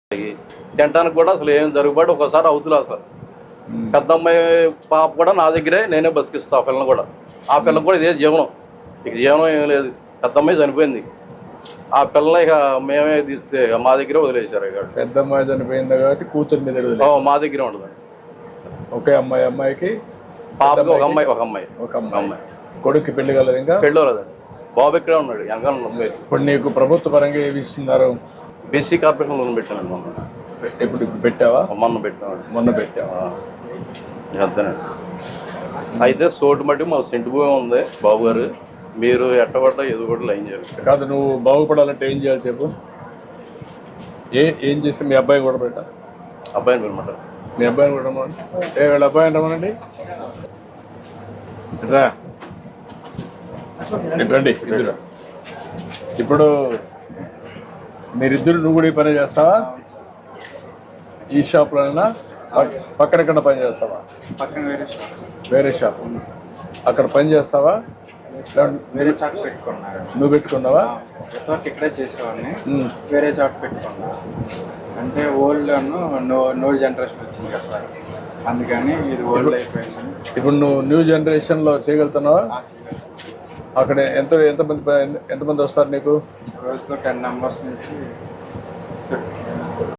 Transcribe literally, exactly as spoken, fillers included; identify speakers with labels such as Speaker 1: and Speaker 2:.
Speaker 1: తినడానికి కూడా అసలు ఏం జరుగుబాటు ఒకసారి అవుతుంది. అసలు పెద్ద అమ్మాయి పాప కూడా నా దగ్గరే నేనే బతికిస్తా. ఆ పిల్లని కూడా ఆ పిల్లకి కూడా ఇదే జీవనం, ఇక జీవనం ఏం లేదు. పెద్ద అమ్మాయి చనిపోయింది, ఆ పిల్లని ఇక మేమే తీస్తే మా దగ్గరే వదిలేశారు. ఇక
Speaker 2: పెద్ద అమ్మాయి చనిపోయింది కాబట్టి కూతురు మీద
Speaker 1: మా దగ్గరే ఉండదు.
Speaker 2: ఒకే అమ్మాయి అమ్మాయికి
Speaker 1: పాపకి ఒక అమ్మాయి ఒక అమ్మాయి
Speaker 2: ఒక అమ్మాయి కొడుక్కి పెళ్లి కలదు. ఇంకా
Speaker 1: పెళ్ళి లేదండి, బాబు ఇక్కడే ఉన్నాడు వెనకాల.
Speaker 2: ఇప్పుడు నీకు ప్రభుత్వ పరంగా ఏమి ఇస్తున్నారు?
Speaker 1: బీసీ కార్పొరేషన్ లోన్ పెట్టానండి మొన్న.
Speaker 2: ఇప్పుడు పెట్టావా?
Speaker 1: మొన్న పెట్టాను.
Speaker 2: మొన్న పెట్టావా?
Speaker 1: అంతేనండి. అయితే సోటు మట్టి మా సెంటు భూమి ఉంది బాబు గారు, మీరు ఎట్టబడ్డా ఏదో కూడా లైన్ చేయాలి.
Speaker 2: కాదు, నువ్వు బాగుపడాలంటే ఏం చేయాలి చెప్పు? ఏ ఏం చేస్తే మీ అబ్బాయి కూడా పెట్టా?
Speaker 1: అబ్బాయిని పిలమాట.
Speaker 2: మీ అబ్బాయిని కూడా రమ్మనండి. ఏ వీళ్ళ అబ్బాయి రమ్మనండి. రా రండి ఇద్దరు. ఇప్పుడు మీరిద్దరు నువ్వు కూడా ఈ పని చేస్తావా? ఈ షాప్లోనైనా పక్కన ఎక్కడ పని చేస్తావా?
Speaker 3: పక్కన వేరే షాప్.
Speaker 2: వేరే షాప్ అక్కడ పని చేస్తావా?
Speaker 3: వేరే చాట్ పెట్టుకున్నారు.
Speaker 2: నువ్వు పెట్టుకున్నావా?
Speaker 3: ఎంతవరకు ఇక్కడే చేసేవాడిని, వేరే చాట్ పెట్టుకున్నా. అంటే ఓల్డ్ నో నో జనరేషన్ వచ్చింది కదా సార్, అందుకని ఇది ఓల్డ్ అయిపోయింది.
Speaker 2: ఇప్పుడు నువ్వు న్యూ జనరేషన్లో చేయగలుగుతున్నావా? అక్కడ ఎంత ఎంతమంది ఎంతమంది వస్తారు నీకు?
Speaker 3: రోజుకు టెన్ మెంబర్స్ నుంచి